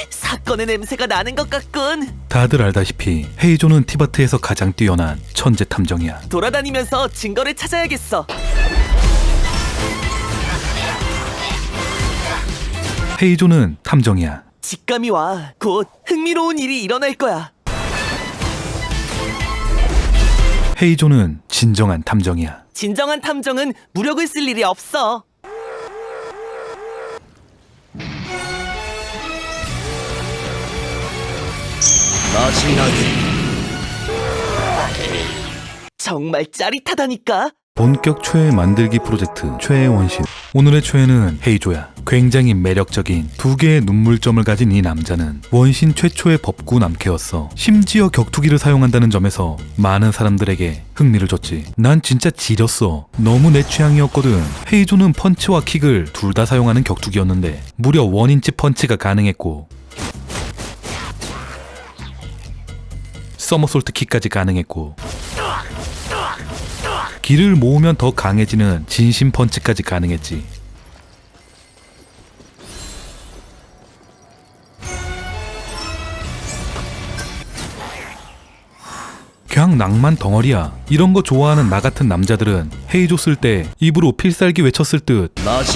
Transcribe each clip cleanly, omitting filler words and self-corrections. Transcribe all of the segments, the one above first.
사건의 냄새가 나는 것 같군. 다들 알다시피 헤이조는 티바트에서 가장 뛰어난 천재 탐정이야. 돌아다니면서 증거를 찾아야겠어. 헤이조는 탐정이야. 직감이 와. 곧 흥미로운 일이 일어날 거야. 헤이조는 진정한 탐정이야. 진정한 탐정은 무력을 쓸 일이 없어. 정말 짜릿하다니까. 본격 최애 만들기 프로젝트 최애 원신. 오늘의 최애는 헤이조야. 굉장히 매력적인 두 개의 눈물점을 가진 이 남자는 원신 최초의 법구 남캐였어. 심지어 격투기를 사용한다는 점에서 많은 사람들에게 흥미를 줬지. 난 진짜 지렸어. 너무 내 취향이었거든. 헤이조는 펀치와 킥을 둘 다 사용하는 격투기였는데 무려 1인치 펀치가 가능했고 서머솔트 킥까지 가능했고 기를 모으면 더 강해지는 진심 펀치까지 가능했지. 그냥 낭만 덩어리야. 이런 거 좋아하는 나 같은 남자들은 헤이조 쓸 때 입으로 필살기 외쳤을 듯.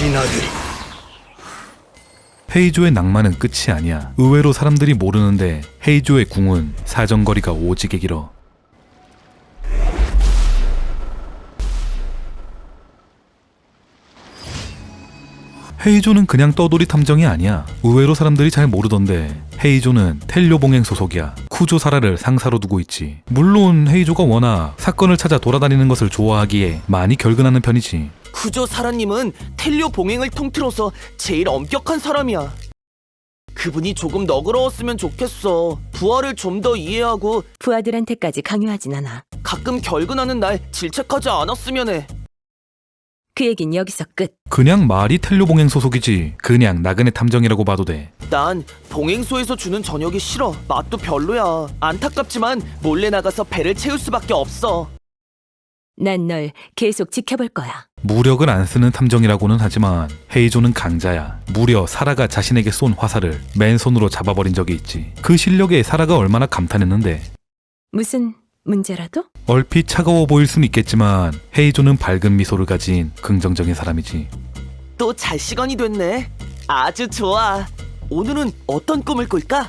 헤이조의 낭만은 끝이 아니야. 의외로 사람들이 모르는데 헤이조의 궁은 사정거리가 오지게 길어. 헤이조는 그냥 떠돌이 탐정이 아니야. 의외로 사람들이 잘 모르던데 헤이조는 텔료봉행 소속이야. 쿠조사라를 상사로 두고 있지. 물론 헤이조가 워낙 사건을 찾아 돌아다니는 것을 좋아하기에 많이 결근하는 편이지. 구조 사라님은 텔료 봉행을 통틀어서 제일 엄격한 사람이야. 그분이 조금 너그러웠으면 좋겠어. 부하를 좀 더 이해하고 부하들한테까지 강요하진 않아. 가끔 결근하는 날 질책하지 않았으면 해. 그 얘긴 여기서 끝. 그냥 말이 텔료봉행 소속이지 그냥 나그네 탐정이라고 봐도 돼. 난 봉행소에서 주는 저녁이 싫어. 맛도 별로야. 안타깝지만 몰래 나가서 배를 채울 수밖에 없어. 난 널 계속 지켜볼 거야. 무력을 안 쓰는 탐정이라고는 하지만 헤이조는 강자야. 무려 사라가 자신에게 쏜 화살을 맨손으로 잡아버린 적이 있지. 그 실력에 사라가 얼마나 감탄했는데. 무슨 문제라도? 얼핏 차가워 보일 순 있겠지만 헤이조는 밝은 미소를 가진 긍정적인 사람이지. 또 잘 시간이 됐네. 아주 좋아. 오늘은 어떤 꿈을 꿀까?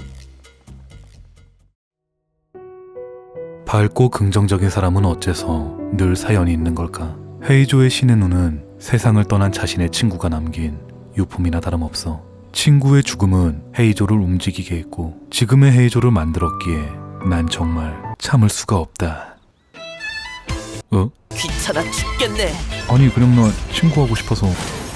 밝고 긍정적인 사람은 어째서 늘 사연이 있는 걸까? 헤이조의 신의 눈은 세상을 떠난 자신의 친구가 남긴 유품이나 다름없어. 친구의 죽음은 헤이조를 움직이게 했고 지금의 헤이조를 만들었기에 난 정말 참을 수가 없다. 귀찮아 죽겠네. 아니 그냥 나 친구하고 싶어서.